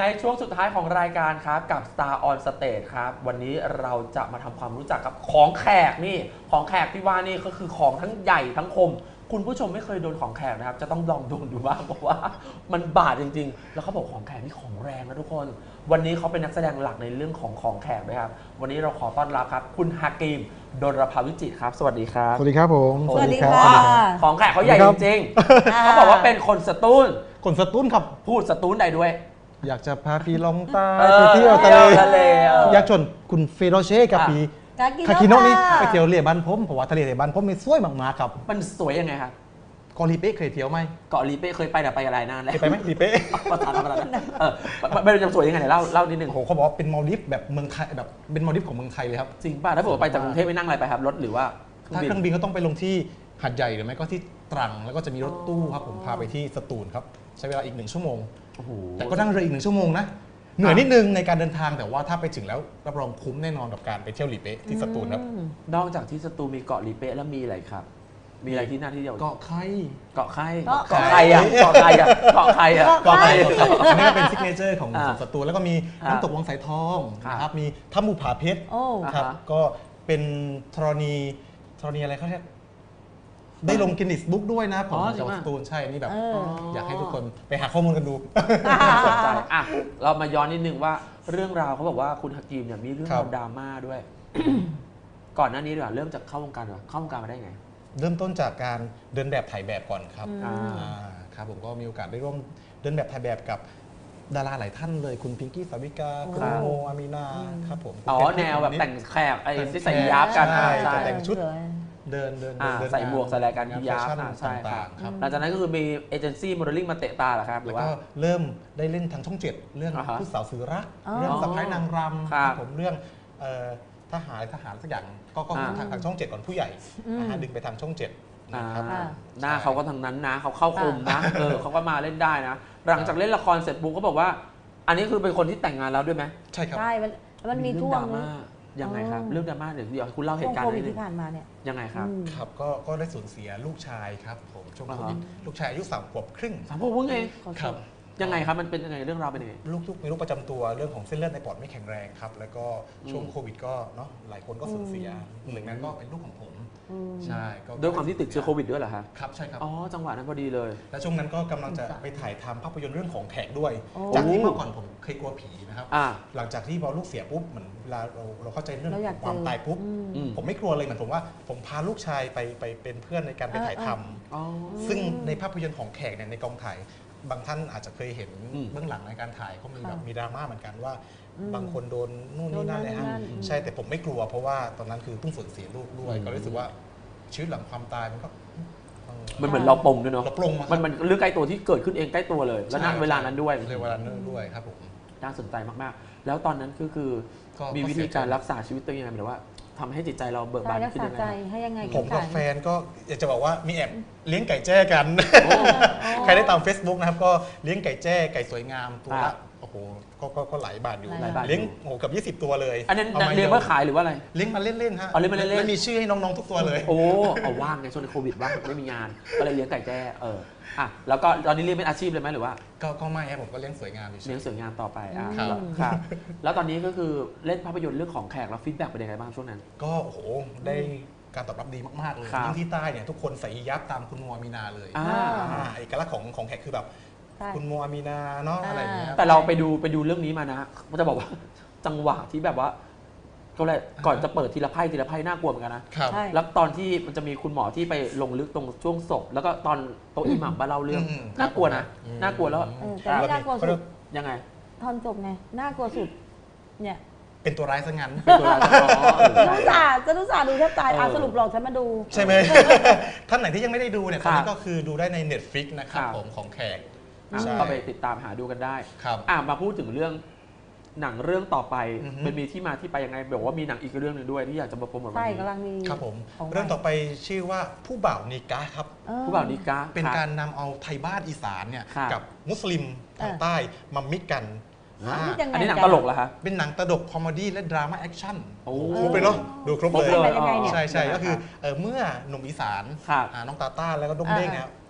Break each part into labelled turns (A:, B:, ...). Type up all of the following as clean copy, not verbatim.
A: ในช่วงสุดท้ายของรายการครับกับ Star on Stage ครับวันนี้เราจะมาทำความรู้จักกับของแขกนี่ของแขกที่ว่านี่ก็คือของทั้งใหญ่ทั้งคมคุณผู้ชมไม่เคยโดนของแขกนะครับจะต้องลองโดนดูบ้างเพราะว่ามันบาดจริงๆแล้วเขาบอกของแขกนี่ของแรงนะทุกคนวันนี้เขาเป็นนักแสดงหลักในเรื่องของแขกด้วยครับวันนี้เราขอต้อนรับครับคุณฮากิมดลภาวิจิตรครับสวัสดีครับ
B: สวัสดีครับผม
C: สวัสดีค่ะ
A: ของแขกเขาใหญ่จริงๆเขาบอกว่าเป็นคนสตูล
B: คนสตูลครับ
A: พูดสตูลได้ด้วย
B: อยากจะพาพี่ลองใต้ไปเที่ยวทะเลอยากชวนคุณเฟโรเช่กับพี่คาคิโนะนี่ไปเที่ยวเรือบ้านผมเพราะว่าทะเลในบ้านผมมันสวยมากๆครับ
A: มันสวยยังไงครับ
B: เกาะลีเป้เคยเที่ยวไหม
A: เกาะลีเป้เคยไปแต่ไปอะไรนานแล้ว
B: ไปไหมลีเป้
A: ประธานไม่รู้จะสวยยังไงเล่านิดนึง
B: โอ้โหเขาบอกว่าเป็นมาลดิฟแบบเมืองไทยแบบเป็นมาลดิฟของเมืองไทยเลยครับ
A: จริงป่ะถ้าผมไปจากกรุงเทพไม่นั่งอะไรไปครับรถหรือว่า
B: ถ้าเครื่องบินก็ต้องไปลงที่หาดใหญ่หรือไม่ก็ที่ตรังแล้วก็จะมีรถตู้ครับผมพาไปที่สตูลครับใช้เวลาอีก1 ชั่วโมงแต่ก็นั่งเรืออีก1 ชั่วโมงนะเหนื่อยนิดนึงในการเดินทางแต่ว่าถ้าไปถึงแล้วรับรองคุ้มแน่นอนกับการไปเที่ยวลีเป้ที่สตูลครับ
A: นอกจากที่สตูลมีเกาะลีเป้แล้วมีอะไรครับมีอะไรที่น่าที่เดียว
B: เกาะไข่
A: เกาะไข่อ่ะเกาะไข่อ่ะเกาะไข่อ่ะ
B: เกาะไข่อันนี้เป็นซิกเนเจอร์ของสตูลแล้วก็มีน้ำตกวังสายทองนะครับมีถ้ำภูผาเพชรครับก็เป็นธรณีอะไรเขาเรียกได้ลงกินนิสบุ๊กด้วยนะผมจากสตูลใช่นี่แบบอยากให้ทุกคนไปหาข้อมูลกันดู
A: สนใจอ่ะเรามาย้อนนิดนึงว่าเรื่องราวเขาบอกว่าคุณฮากิมเนี่ยมีเรื่องราวดราม่าด้วยก่อนหน้านี้ดีกว่าเริ่มจากเข้าวงการมาได้ไง
B: เริ่มต้นจากการเดินแบบถ่ายแบบก่อนครับครับผมก็มีโอกาสได้ร่วมเดินแบบถ่ายแบบกับดาราหลายท่านเลยคุณพิงกี้สาวิกาคุณโมอามีนาครับผม
A: แนวแบบแต่งแขกไอ้ที่ใส่ยับกัน
B: ใช่แต่งชุดเดิน
A: ใส่หมวกใส่อะไรกันยับใช่ครับหลังจากนั้นก็คือมีเอเจนซี่โมเดลลิ่งมาเตะตาเหรอครับ
B: แล้วก็เริ่มได้เล่นทางช่อง7เรื่องผู้สาวสื่อรักเรื่องสะพ้ายนางรำผมเรื่องทหารสักอย่างก็ทางช่อง7ก่อนผู้ใหญ่ดึงไปทางช่อง7นะครับ
A: หน้าเขาก็ทางนั้นนะเขาเข้าคมนะเขาก็มาเล่นได้นะหลังจากเล่นละครเสร็จปุ๊บเขาบอกว่าอันนี้คือเป็นคนที่แต่งงานแล้วด้วยไหม
B: ใช่ครับ
C: ใช่มันมีช่วง
A: ยังไงครับเรื่องดราม่าเดี๋ยวคุณเล่าเหตุการณ์นิดนึง
C: ที่ผ่านมาเนี่ย
A: ยังไงครับ
B: ครับก็ได้สูญเสียลูกชายครับผมช่วงโควิดลูกชายอายุ3 ขวบครึ่ง
A: 3 ขวบเอง
B: ครับ
A: ยังไงครับมันเป็นยังไงเรื่องราวเป็นยังไง
B: ลูกมีโรคประจำตัวเรื่องของเส้นเลือดในปอดไม่แข็งแรงครับแล้วก็ช่วงโควิดก็เนาะหลายคนก็สูญเสียหนึ่งนั้นก็เป็นลูกของผมใช่
A: ด้วยความที่ติดเชื้อโควิดด้วยเหรอครับ
B: ครับใช่ครับ
A: จังหวะนั้นพอดีเลย
B: และช่วงนั้นก็กำลังจะไปถ่ายทำภาพยนตร์เรื่องของแขกด้วยจากที่เมื่อก่อนผมเคยกลัวผีนะครับหลังจากที่พอลูกเสียปุ๊บเหมือนเวลาเราเข้าใจเรื่องความตายปุ๊บผมไม่กลัวเลยเหมือนผมว่าผมพาลูกชายไปเป็นเพื่อนในการไปถ่ายทำซึ่งในภาพยนตร์ของแขกเนี่ยในกองถ่ายบางท่านอาจจะเคยเห็นเบื้องหลังในการถ่ายเขามีแบบมีดราม่าเหมือนกันว่าบางคนโดนนู่นนี่นั่นเลยฮะใช่แต่ผมไม่กลัวเพราะว่าตอนนั้นคือเพิ่งสูญเสียลูกด้วยก็รู้สึกว่าชีวิตหลังความตายมันก็
A: มันเหมือนเราปลงด้วยเนาะ
B: เราปลง
A: มันเรื่องใกล้ตัวที่เกิดขึ้นเองใกล้ตัวเลยแล้วณเวลานั้นด้วย
B: เวลานั้นด้วยครับผม
A: น่าสนใจมากๆแล้วตอนนั้นคือมีวิธีการรักษาชีวิตตัวเองยังไงหรือว่าทำให้จิตใจเราเบิกบานขึ้น
C: ยังไง
B: ผมกับแฟนก็อยากจะบอกว่ามีแอบเลี้ยงไก่แจ้กันใครได้ตาม Facebook นะครับก็เลี้ยงไก่แจ้ไก่สวยงามตัวละโอ้โหก็หลายบาทอยู่เลี้ยงโอ้โหกับ20 ตัวเลย
A: อันนั้นเลี้ยงเพื่อขายหรือว่าอะไร
B: เลี้ยงมาเล่นๆฮะ
A: เลี้ยงมาเล่นๆ
B: ไม่มีชื่อให้น้องๆทุกตัวเลย
A: เอาว่างไงช่วงโควิดว่างไม่มีงานก็เลยเลี้ยงไก่แจ้แล้วก็ตอนนี้เลี้ยงเป็นอาชีพเลยไหมหรือว่า
B: ก็ไม่ครับผมก็เลี้ยงสวยงาม
A: เลี้ยงสวยงามต่อไปครับแล้วตอนนี้ก็คือเล่นภาพยนตร์เรื่องของแขกแล้วฟีดแบ็กเป็นยังไงบ้างช่วงนั้น
B: ก็โอ้โหได้การตอบรับดีมากๆเลยยิ่งที่ใต้เนี่ยทุกคนใส่ยับตามคุณโมอามีนาเลยเอกลักษณ์ของแขกคือแบบคุณโมอามีนาเนาะอะไรอย่างเงี้ย
A: แต่เราไปดูเรื่องนี้มานะมันจะบอกว่าจังหวะที่แบบว่าก็เลยก่อนจะเปิดทีละไพ่น่ากลัวเหมือนกันนะแล้วตอนที่มันจะมีคุณหมอที่ไปลงลึกตรงช่วงศพแล้วก็ตอนโต๊ะอิหมัมมาเล่าเรื่องน่ากลัวนะน่ากลัวแล้ว
C: แต่ไม่น่ากลัวสุด
A: ยังไง
C: ตอนจบไงน่ากลัวสุดเนี่ย
B: เป็นตัวร้ายซะงั้น
A: เป็นตัวร้าย
C: จะรู้สาดูแทบตายสรุปหลอกฉันมาดู
B: ใช่ไหมท่านไหนที่ยังไม่ได้ดูเนี่ยตอนนี้ก็คือดูได้ใน Netflix นะครับผมของแขก
A: ก็ไปติดตามหาดูกันได้มาพูดถึงเรื่องหนังเรื่องต่อไปมันมีที่มาที่ไปยังไงบอกว่ามีหนังอีกเรื่องหนึ่งด้วยที่อยากจะมาโปรโมทวันนี้
C: ใช่กำลังมี
B: ครับผมเรื่องต่อไปชื่อว่าผู้บ่าวนิกะครับ
A: ผู้บ่าวนิกะ
B: เป็นการนำเอาไทยบ้านอีสานเนี่ยกับมุสลิมทางใต้มามิกกัน
A: อันนี้หนังตลกเหรอคะ
B: เป็นหนังตลกคอมเมดี้และดราม่าแอคชั่นครบเลยเนาะดูครบเลยใช่ก็คือเมื่อหนุ่มอีสานน้องตาต้าแล้วก็ด้งเด้งเนี่ย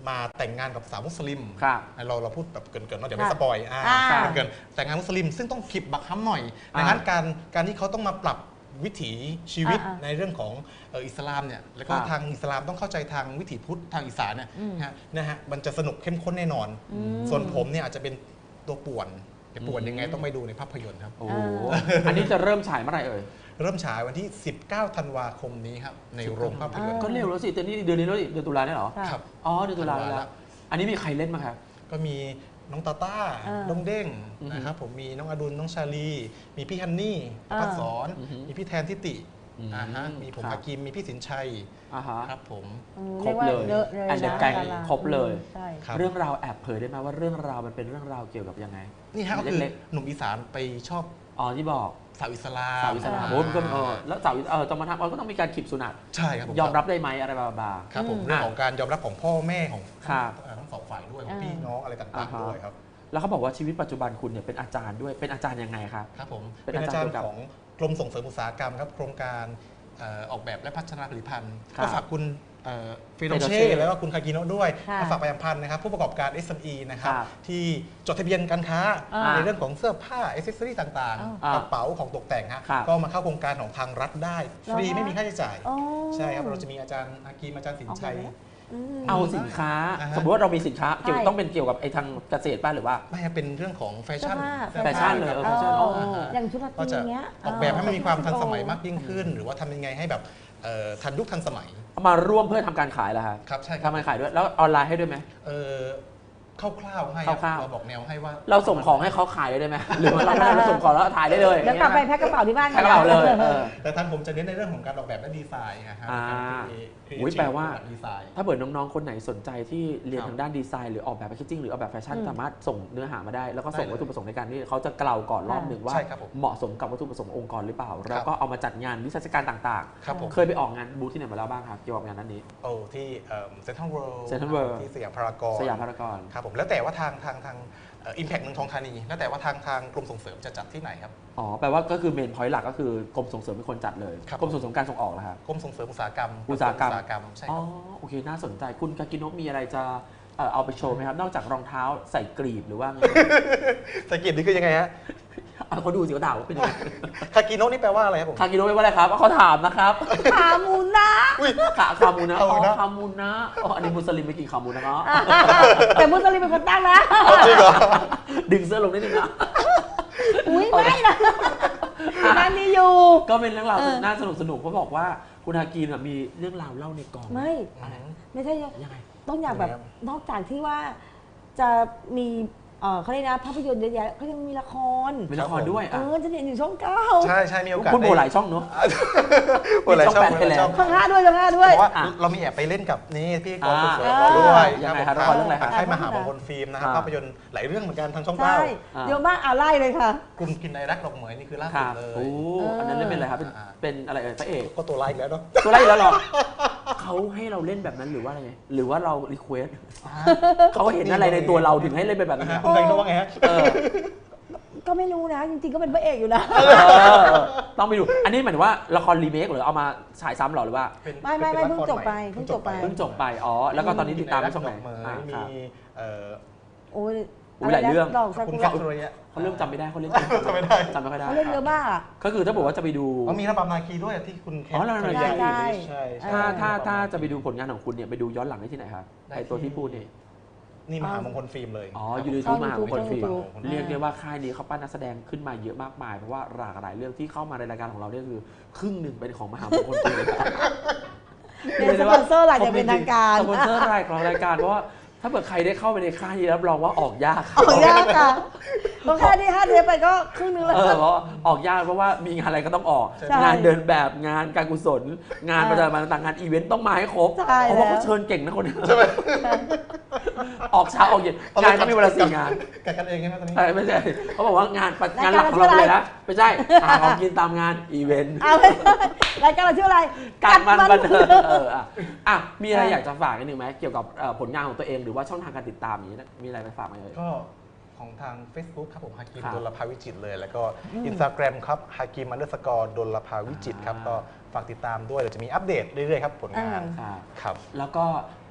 B: มาแต่งงานกับสาวมุสลิม
A: ครับ
B: เราพูดแบบเกินๆเนาะเดี๋ยวไม่สปอยเกินแต่งงานมุสลิมซึ่งต้องขีบบักฮัมหน่อยดังนั้นการที่เขาต้องมาปรับวิถีชีวิตในเรื่องของอิสลามเนี่ยแล้วก็ทางอิสลามต้องเข้าใจทางวิถีพุทธทางอีสานเนี่ยนะฮะมันจะสนุกเข้มข้นแน่นอนส่วนผมเนี่ยอาจจะเป็นตัวป่วนจะป่วนยังไงต้องไปดูในภาพยนตร์ครับ
A: โอ้อันนี้จะเริ่มฉายเมื่อไหร่เอ่ย
B: เริ่มฉายวันที่19 ธันวาคมนี้ครับในโรงภาพยนตร์
A: ก็เร็วแล้วสิเดือนนี้แล้วเดือนตุลาเนี่ยเหรอ
B: ครับ
A: อ๋อเดือนตุลาแล้วอันนี้มีใครเล่นมาครับ
B: ก็มีน้องตาต้าน้องเด้งนะครับผมมีน้องอดุลน้องชาลีมีพี่ฮันนี่พัดสอนมีพี่แทนทิติมีผมฮากิมมีพี่สินชัยครับผม
A: ครบเลยแอนเดอร์แกงครบเลยเรื่องราวแอบเผยได้ไหมว่าเรื่องราวมันเป็นเรื่องราวเกี่ยวกับยังไง
B: นี่ฮะก็คือหนุ่มอีสานไปชอบ
A: ที่บอก
B: สาวอิสลาม
A: โอ้ก็แล้วสาวต้องมาทำก็ต้องมีการขีบสุนัต
B: ใช่ครับ
A: ยอมรับได้ไหมอะไรบาง
B: ครับผมเรื่องของการยอมรับของพ่อแม่ของทั้งสองฝ่ายด้วยของพี่น้องอะไรต่างๆด้วยครับ
A: แล้วเขาบอกว่าชีวิตปัจจุบันคุณเนี่ยเป็นอาจารย์ด้วยเป็นอาจารย์ยังไงครับ
B: ครับผมเป็นอาจารย์ของกรมส่งเสริมอุตสาหกรรมครับโครงการออกแบบและพัฒนาผลิตภัณฑ์ก็ฝากคุณฟิโดเช่แล้วก็คุณคากิโนะด้วยฝากประชาสัมพันธ์นะครับผู้ประกอบการ SME นะครับที่จดทะเบียนการค้าในเรื่องของเสื้อผ้าอิเซสซอรี่ต่างๆกระเป๋าของตกแต่งฮะก็มาเข้าโครงการของทางรัฐได้ฟรีไม่มีค่าใช้จ่ายใช่ครับเราจะมีอาจารย์อากีมอาจารย์สินชัย
A: เอาสินค้าสมมติว่าเรามีสินค้าต้องเป็นเกี่ยวกับไอ้ทางเกษตรป่ะหรือว่า
B: ไม่เป็นเรื่องของแฟชั่น
A: เลยแฟชั่น
C: อย่างชุดก็
B: จะออกแบบให้มันมีความทันสมัยมากยิ่งขึ้นหรือว่าทำยังไงให้แบบทันยุคทันสมัย
A: มาร่วมเพื่อทำการขายแล้ว
B: ครับใช่
A: ทำการขายด้วยแล้วออนไลน์ให้ด้วยไหม
B: คร่าวๆให้เราบอกแนวให้ว่า
A: เราส่งของให้เขาขายได้ไหมหรือว่าเราส่งของแล้วถ่ายได้เลย
C: เดี๋ยวกลับไปแพ็คกระเป๋าที่บ้าน
A: แพ็คกระเป๋าเลย
B: แต่ทางผมจะเน้นในเรื่องของการออกแบบและดีไซน์นะครับ
A: แปลว่าถ้าเปิดน้องๆคนไหนสนใจที่เรียนทางด้านดีไซน์หรือออกแบบแพคเกจจิ้งหรือออกแบบแฟชั่นสามารถส่งเนื้อหามาได้แล้วก็ส่งวัตถุประสงค์ในการที่เขาจะกล่าวก่อนรอบหนึ่งว่าเหมาะสมกับวัตถุประสงค์องค์กรหรือเปล่าแล้วก็เอามาจัดงานวิชาการต่างๆเคยไปออกงานบูธที่ไหนมาแล้วบ้างครับเกี่ยวกับงานนั้นนี้
B: ที่เซ็นทรัลเวิลด์ที่สยามพาราก
A: อน
B: ครับผมแล้วแต่ว่าทางอิมแพคเมืองทองธานีแล้วแต่ว่าทางกรมส่งเสริมจะจัดที่ไหนครับ
A: แปลว่าก็คือเมนพอยต์หลักก็คือกรมส่งเสริมเป็นคนจัดเลยกรมส่งเสริมการส่งออกนะครับ
B: กรมส่งเสริมอุตสาหกรรมใช่ครับ
A: โอเคน่าสนใจคุณคากิโนะมีอะไรจะเอาไปโชว์ไหมครับนอกจากรองเท้าใส่กรีบหรือว่าไง
B: ใส่กรีบนี่คือยังไงฮะ
A: เขาดูสิเขาถามว่าเป็นยังไง
B: คากิโนะนี่แปลว่าอะไรครับผม
A: คากิโนะแปลว่าอะไรครับเขาถามนะครับ
C: ขามูนะ
A: ขามูนะขามูนะอันนี้มุสลิมไม่กินขามูนะเนาะ
C: แต่มุสลิมเป็นคนตั้งนะ
B: จริงเหรอ
A: ดึงเสื้อลงนิดนึงนะ
C: อุ้ยไม่นะนั่นนี่อยู่
A: ก็เป็นเรื่องราวน่าสนุกเพราะบอกว่าคุณฮากิมีเรื่องราวเล่าในกอง
C: ไม่ใช่ยังไงต้องอยากแบบนอกจากที่ว่าจะมีเขาเรียกนะภาพยนตร์เยอะแยะเขายังมีละคร
A: ด้วย
C: จะเห็นอยู่ช่อง 9
B: ใช่มีโอกาส
A: คุณโบหลายช่องเนาะ
B: โบหลายช่อง
C: ช่อง 5ด้วย
B: ว่าเรามีแอบไปเล่นกับนี่พี่กอล์ฟด้วย
A: ยังไงครับละครเรื่องอะไรครับ
B: ใช่มหามงคลฟิล์มนะครับภาพยนตร์หลายเรื่องเหมือนกันทางช่อง 9
C: เยอะมากไล่เลยค่ะ
B: คุณกินในรักดอกเหมยนี่คือล่าสุดเลย
A: อันนั้นเล่นเป็นอะไรครับเป็นอะไรพระเอก
B: ก็ตัวไล่แล้วเนาะ
A: ตัวไล่แล้วหรอเขาให้เราเล่นแบบนั้นหรือว่าอะไรหรือว่าเรารีเควสเขาเห็นอะไรในตัวเราถึงให้เล่นเป็นแบบนั้น
B: คุณเคยรู้ว่าไงฮะ
C: ก็ไม่รู้นะจริงๆก็เป็นพระเอกอยู่นะ
A: ต้องไปดูอันนี้หมายถึงว่าละครรีเมคหรือเอามาฉายซ้ำหรอหรือว่า
C: ไม่เพิ่งจบไป
A: แล้วก็ตอนนี้ติดตามช่องไหน
B: มี
C: โอ้ย
A: หลายเรื่อง
B: คุณแคทโรย
A: เขาเริ่มจำไม่ได้เขาเล่น
B: จำไม่ได้
C: เขาเล่นเยอะมาก
A: ก็คือถ้าบอกว่าจะไปดู
B: มีระบำนาคีด้วยที่คุณแคท
A: ถ้าจะไปดูผลงานของคุณเนี่ยไปดูย้อนหลังได้ที่ไหนครับไอตัวที่พูด
B: นี่มหามงคลฟิล์มเลย
A: อยู่ในทูมหามงคลฟิล์มเรียกได้ว่าค่ายนี้เขาปั้นนักแสดงขึ้นมาเยอะมากมายเพราะว่าหลากหลายเรื่องที่เข้ามาในรายการของเราเนี่ยคือครึ่งหนึ่งเป็นของมหามงคลฟิล์ม
C: เป็นสปอนเซอร์รายจะเป็นทางการ
A: สปอนเซอร์รายของรายการเพราะว่าถ้าเกิดใครได้เข้าไปในค่ายนี้รับรองว่าออกยาก
C: ค่ะเพราะแค่ที่5 เทปไปก็ครึ่งนึงแล้ว
A: เพราะออกยากเพราะว่ามีงานอะไรก็ต้องออกงานเดินแบบงานการกุศลงานประจำวันต่างงานอีเวนต์ต้องมาให้ครบเพราะว่าเขาเชิญเก่งนะคนนี้
B: ใช่ไหม
A: ออกเช้าออกเย็นงานก็มีเวลา4 งาน
B: กันเองใช่ไหมตอนนี้
A: ไม่ใช่เขาบอกว่างานหลักของเราเลยนะไม่ใช่หาของกินตามงานอีเวนต์
C: รายการเราชื่ออะไร
A: การมันบันเทิงมีอะไรอยากจะฝากนิดนึงไหมเกี่ยวกับผลงานของตัวเองหรือว่าช่องทางการติดตามนี้มีอะไรไปฝากไหม
B: ก็ของทาง Facebook ครับผมฮากิมดลภาวิจิตเลยแล้วก็ Instagram ครับฮากิม_ดลภาวิจิตครับก็ฝากติดตามด้วยเดี๋ยวจะมีอัปเดตเรื่อยๆครับผลงาน
A: ครับแล้วก็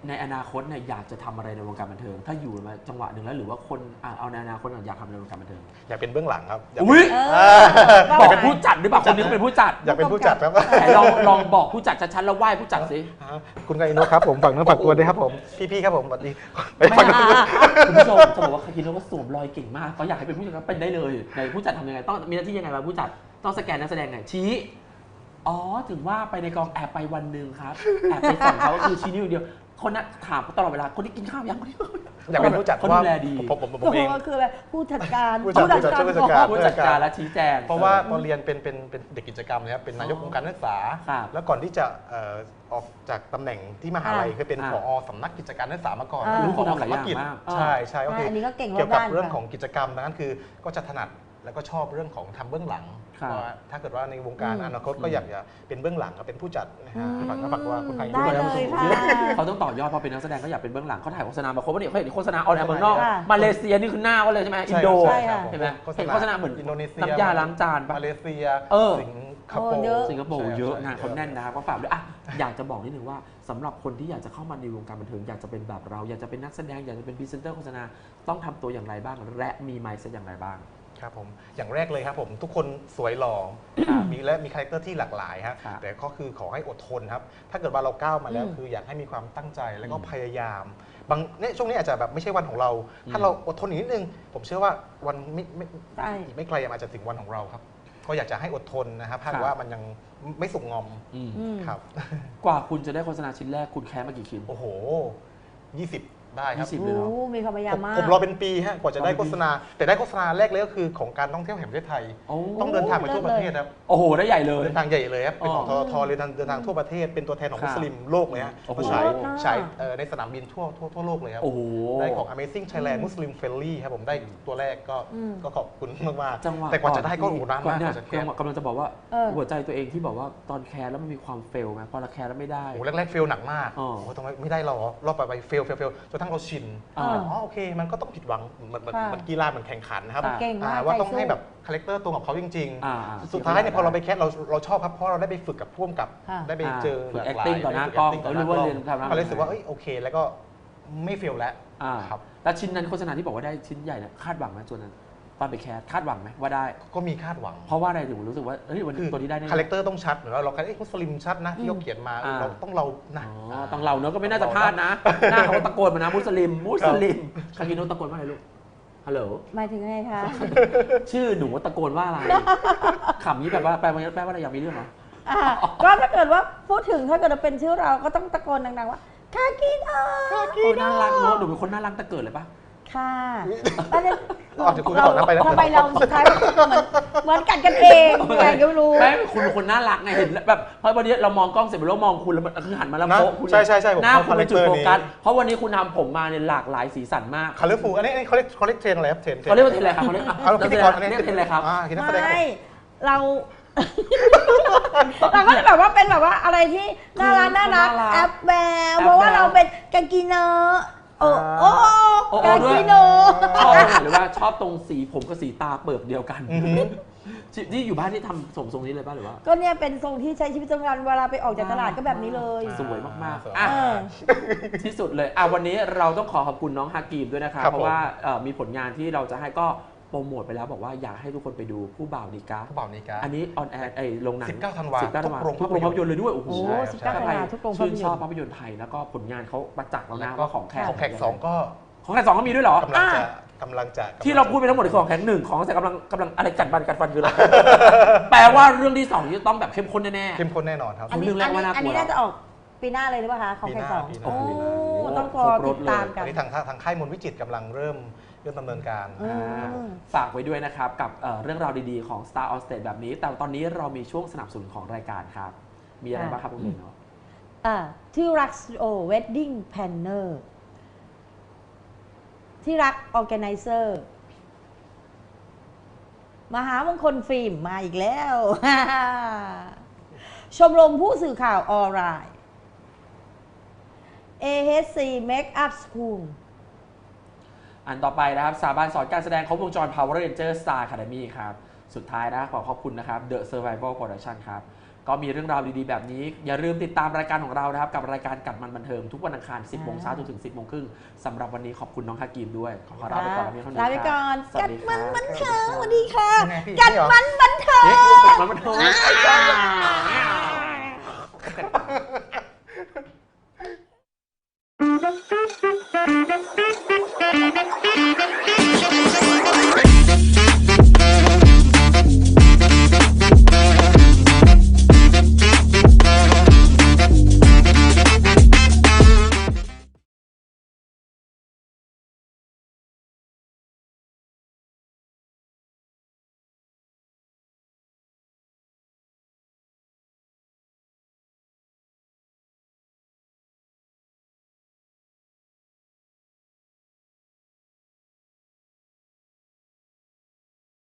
A: ในอนาคตเนี่ยอยากจะทำอะไรในวงการบันเทิงถ้าอยู่มาจังหวะหนึ่งแล้วหรือว่าคนเอาในอนาคตอยากทำในวงการบันเทิง
B: อยากเป็นเบื้องหลังครับ
A: อุ้ย
C: ก็
A: บอกเป็นผู้จัดหรือเปล่าคนนี้ก็เป็นผู้จัด
B: อยากเป็นผู้จัดครับ
A: ไหนลองบอกผู้จัดชัดๆแล้วไหว้ผู้จัดสิ
B: คุณกาอิโนะครับผมฝากเนื้อฝากตัวด้วยครับผมพี่ๆครับผมสวัสดีไป
A: ไม่
B: ฟัง
A: คุณผู้ชมจะบอกว่าคาคิโนะก็สวมรอยเก่งมากเขาอยากให้เป็นผู้จัดก็เป็นได้เลยไหนผู้จัดทำยังไงต้องมีหน้าที่ยังไงบ้างผู้จัดต้องสแกนนักแสดงไงชี้อ๋อถึงว่าไปในกองแอบไปวันหนึ่งครับแอบไปส่องเขาก็คือชี้นิ้วเดียวคนนั้นถามตลอดเวลาคนที่กินข้าวยังคนที่
B: อยากเป็นผู้จัด
A: เขาดูแลดี
B: ผมเอง
C: ก็คืออะไรผู้จัดการ
B: ผู้จัดการ
A: ผู้จัดการและชี้แจง
B: เพราะว่าตอนเรียนเป็นเด็กกิจกรรมนะครับเป็นนายกองค์การนักศึกษา
A: ครับ
B: แล้วก่อนที่จะออกจากตำแหน่งที่มหาลัยเคยเป็นผอสำนักกิจการนักศึกษามาก่อน
A: รู้
B: ผอ
A: ทำหลายอย่าง
B: กิจ
A: มาก
B: ใช่ใช่ก็คือ
C: อันนี้ก็เก่ง
B: เกี่ยวกับ
C: รอบด้าน
B: เรื่อง
C: ค่ะ
B: ของกิจกรรมดังนั้นคือก็จะถนัดแล้วก็ชอบเรื่องของทำเบื้องหลัง
A: ครับ
B: เพราะว่าถ้าเกิดว่าในวงการอนาคตก็อยากจะเป็นเบื้องหลังก็เป็นผู้จัดนะฮะฝากว่าคุณใคร
C: ได้เลยค่ะ
A: เขาต้องต่อยอดพอเป็นนักแสดงก็อยากเป็นเบื้องหลังเขาถ่ายโฆษณามาครบว่าเนี่ยเขาเห็นโฆษณาออนแอร์เมืองนอก
C: ค่ะ
A: มาเลเซียนี่คือหน้าเขาเลยใช่ไหมอินโด
C: ใช่ค่ะ
A: เห็นไหมเห็นโฆษณาเหมือน
B: อินโดนีเซีย
A: น้ำยาล้างจานปะ
B: มาเลเซีย
A: เออ
B: สิงคโปร์
C: เยอะ
A: สิงคโปร์เยอะงานเขาแน่น
B: ใช่
A: นะครับก็ฝากด้วยอ่ะอยากจะบอกนิดนึงว่าสำหรับคนที่อยากจะเข้ามาในวงการบันเทิงอยากจะเป็นแบบเราอยากจะเป็นนักแสดงอยากจะเป็นพรีเซนเตอร์โฆษณาต้องทำตัวอย่างไรบ้างและมีไมซ์อย่างไรบ้าง
B: ครับผมอย่างแรกเลยครับผมทุกคนสวยหล่อมีคาแรคเตอร์ที่หลากหลายฮะ
A: ครับ
B: แต่ก็คือขอให้อดทนครับถ้าเกิดว่าเราก้าวมาแล้ว
C: อืม
B: คืออยากให้มีความตั้งใจแล้วก็พยายามบางเนี่ยช่วงนี้อาจจะแบบไม่ใช่วันของเรา ถ้าเราอดทนอีกนิดนึงผมเชื่อว่าวัน
C: ใช่
B: อีกไม่ไกลอาจจะถึงวันของเราครับก็อยากจะให้อดทนนะครับถ้า
A: ครับ
B: ว่ามันยังไม่สุกงอม
A: อืม
C: อืม
B: ครับ
A: กว่าคุณจะได้โฆษณาชิ้นแรกคุณแคสมากี่ชิ้น
B: โอ้โห 20 ได้ครับ
A: 20 เลยเหรอ
C: โอ้มีความพยายามมาก
B: ผมรอเป็นปีฮะกว่าจะได้โฆษณาแต่ได้โฆษณาแรกเลยก็คือของการท่องเที่ยวแห่งประเทศไทย
A: โอ้
B: ต้องเดินทางไปทั่วประเทศครับ
A: โอ้โหได้ใหญ่เลย
B: เดินทางใหญ่เลยครับ เป็นของ
A: อ๋
B: ท
A: อ
B: ทเลยเดินทางทั่วประเทศ เป็นตัวแทนของ
A: ครับ
B: มุสลิมโลกเลยฮะ
A: โอ้โห
B: มาฉาย
C: โอ้โห
B: ฉายในสนามบินทั่วโลกเลยครับ
A: โอ้โห
B: ได้ของ Amazing Thailand Muslim Friendly ครับผมได้ตัวแรกก็
C: อืม
B: ก็ขอบคุณมาก
A: จังหวะ
B: ๆแต่กว่าจะได้ก็โอ้โหนาน
A: ก่อ
B: มาก
A: เนี่
B: ก
A: ย
B: ว่าจะแค
A: กำลังจะบอกว่า
C: เออ
A: หัวใจตัวเองที่บอกว่าตอนแคสแล้วมันมีความเฟลไหมพอเราแคสแล้วไม่ได้
B: โอ้โหแรกๆเฟลหนักมาก
A: อ๋อ
B: โอ้โหทำไมไม่ได้หรอรอบไปเฟลจนกระทั่งเราชิน
A: อ่า
B: อ๋อโอเค มันก็ต้องผิดหวังเหมือน
C: ค่ะ
B: กีฬาเหมือนแข่งขันนะครับ
C: เก่งมาก
B: ว่า
C: ใจ
B: ต้อง
C: สู้
B: ให้แบบคาแรคเตอร์ตรงกับเขาจริง
A: อ่า
B: ๆ สุดท้ายเนี่ยพอเราไปแคสเราชอบครับเพราะเราได้ไปฝึกกับพ่วงกับ
C: ค่ะ
B: ได้ไปเจอ
A: ฝึก
B: หลากหลาย
A: acting ต่อหน้า
B: ได้ฝึ
A: กล้อง
B: acting ต่อห
A: หรือ
B: น้า
A: ว่าก
B: ล้อง
A: เรียนทำหน้า
B: ก็เลยรู้สึกว่าเอ้ยโอเคแล้วก็ไม่เฟลแล้ว
A: อ่า
B: ครับ
A: แล้วชิ้นนั้นโฆษณาที่บอกว่าได้ชิ้นใหญ่เนี่ยคาดหวังไหมส่วนนั้นตอนไปแคสคาดหวังไหมว่าได้
B: ก็มีคาดหวัง
A: เพราะว่าอะไรถึงรู้สึกว่าเฮ้ยวัน
B: คือ
A: นี้ตัวนี้ได้แน่
B: คาแรคเตอร์ต้องชัดเหมือนว่าเราคัดมุสลิมชัดนะที่เขาเขียนมา
A: อ่า
B: เราต้องเรานะ
A: อ๋อต้องเราเนอะก็ไม่น่าจะพลาดนะ หน้าเขาก็ตะโกนมานะมุสลิมคากิโนะตะโกนว่าอะไรลูกฮัลโหล
C: หมายถึงไงคะ
A: ชื่อหนูตะโกนว่าอะไรขำนี้แบบว่าแปลว่าอะไรอยากมีเรื่องเหรอ
C: อ่ะก็ถ้าเกิดว่าพูดถึงถ้าเกิดเป็นชื่อเราก็ต้องตะโกนดังๆว่าคากิโนะ
A: โอ้น่ารักเนอะหนูเป็นคนน่ารักแต่เกิดเลยปะ
C: ค่ะตอนนี้
B: เดี๋ยวคุณต่อนะไปนะ
C: ทำไมเราสุดท้ายเหมือนกันกันเองไงก็ไม่รู้
A: ไม่คุณเป็นคนน่ารักไงเห็นแบบเพราะวันนี้เรามองกล้องเสร็จแล้วมองคุณแล้วมันคือหันมาแล้ว
B: นะ
A: โป๊ะคุณ
B: ใช่ผม
A: หน้า
B: ชอบ
A: คุณเป็นจุด
B: คาแร
A: โฟ
B: คเตอร์นี้
A: กัสเพราะวันนี้คุณทำผมมาเนี่ยหลากหลายสีสันมาก
B: คาเลฟูอันนี้เขาเรียกเทรนอะไรครับเทรน
A: เขาเรียกว่าเทรนอะไรครับเขาเรียก
B: เอาพิธีกรอันนี้
A: เรียกเทรนอะไรครับ
B: คือนักแสดง
C: ไม่เรา เราก็จะแบบว่าเป็นแบบว่าอะไรที่น่ารัก
A: น่ารัก
C: แอปแววเพราะว่าเราเป็นกางกีเนอร์โอ้โอ้
A: โอ้
C: กาง
A: ด้วย
C: กีโน
A: ชอบตรงไหนหรือว่าชอบตรงสีผมกับสีตาเปิกเดียวกัน
B: อือหือ
A: ที่อยู่บ้านที่ทำทรงนี้เลยป่ะหรือว่า
C: ก็เนี่ยเป็นทรงที่ใช้ชีวิตประจำวันเวลาไปออกจากตลาดก็แบบนี้เลย
A: สวยมาก
B: สวย
A: ๆอ่ะ
C: เออ
A: ที่สุดเลยวันนี้เราต้องขอบคุณน้องฮากีมด้วยนะครับ
B: ครับ
A: เพราะว่ามีผลงานที่เราจะให้ก็โปรโมทไปแล้วบอกว่าอยากให้ทุกคนไปดูผู้บ่าวนิกา
B: ผู้บ่าวนิกา
A: อันนี้ออนแอร์โรงหนัง
B: 19ธันวา
A: 19
B: ทุกโรง
A: ทุกโรงภาพยนตร์เลยด้วยโอ้โห
C: โอ้
B: ใช่
C: 19 ธันวาทุกโรงภาพยนตร์
A: ชื่นชอบภาพยนตร์ไทยแล้วก็ผลงานเขาประจักษ์แล้วนะว่าของแขก
B: ของแขก2ก็
A: ของแขก2ก็มีด้วยเหรอก
B: ำลังจะ
A: ที่เราพูดไปทั้งหมดคือของแขก1ของแต่กำลังอะไรกัดฟันคืออะไร แปลว่าเรื่องที่2จะต้องแบบเข้มข้นแน่
B: เข้มข้นแน่นอนครับ
A: อันนี้ เรื่องแรกว่าน่ากลัว
C: อันนี้น่าจะออกปีหน้าเลยหรือเปล่าคะของใครสอง
B: ปีหน้า
C: โอ้
B: ปีหน้า
C: ต้องรอติดตาม
B: ต
C: กั
B: อน นนี้ทางค่ายมนต์วิจิตรกำลังเริ่มดำเนินการ
C: อืม
A: ฝากไว้ด้วยนะครับกับเรื่องราวดีๆของ Star on Stage แบบนี้ แต่ตอนนี้เรามีช่วงสนับสนุนของรายการครับ มีอะไรบ้างครับคุณเบนเนาะ
C: ที่รักสตูดิโอเวดดิ้งแพนเนอร์ที่รักออแกไนเซอร์มหามงคลฟิล์มมาอีกแล้ว ชมรมผู้สื่อข่าวออนไลน์ AHC Makeup School
A: อันต่อไปนะครับสถาบันสอนการแสดงครบวงจร Power Ranger Star Academy ครับ สุดท้ายนะขอขอบคุณนะครับ The Survival Production ครับก็มีเรื่องราวดีๆแบบนี้อย่าลืมติดตามรายการของเรานะครับกับรายการกัดมันบันเทิงทุกวันอังคาร 10 โมงเช้าจนถึง 10 โมงครึ่งสำหรับวันนี้ขอบคุณน้องฮากีมด้วยขอลาไปก่อนแล้วมีเท่านี้
C: ลาไปก่อน
A: สวั
C: กั
A: ส
C: ด
A: ดีค
C: มั
A: รั
C: น
A: บ
C: บันเทิงสวัสดีค่ะ
B: ยังไงพี่
C: กัดมันบันเทิง
A: กัดมันบันเทิง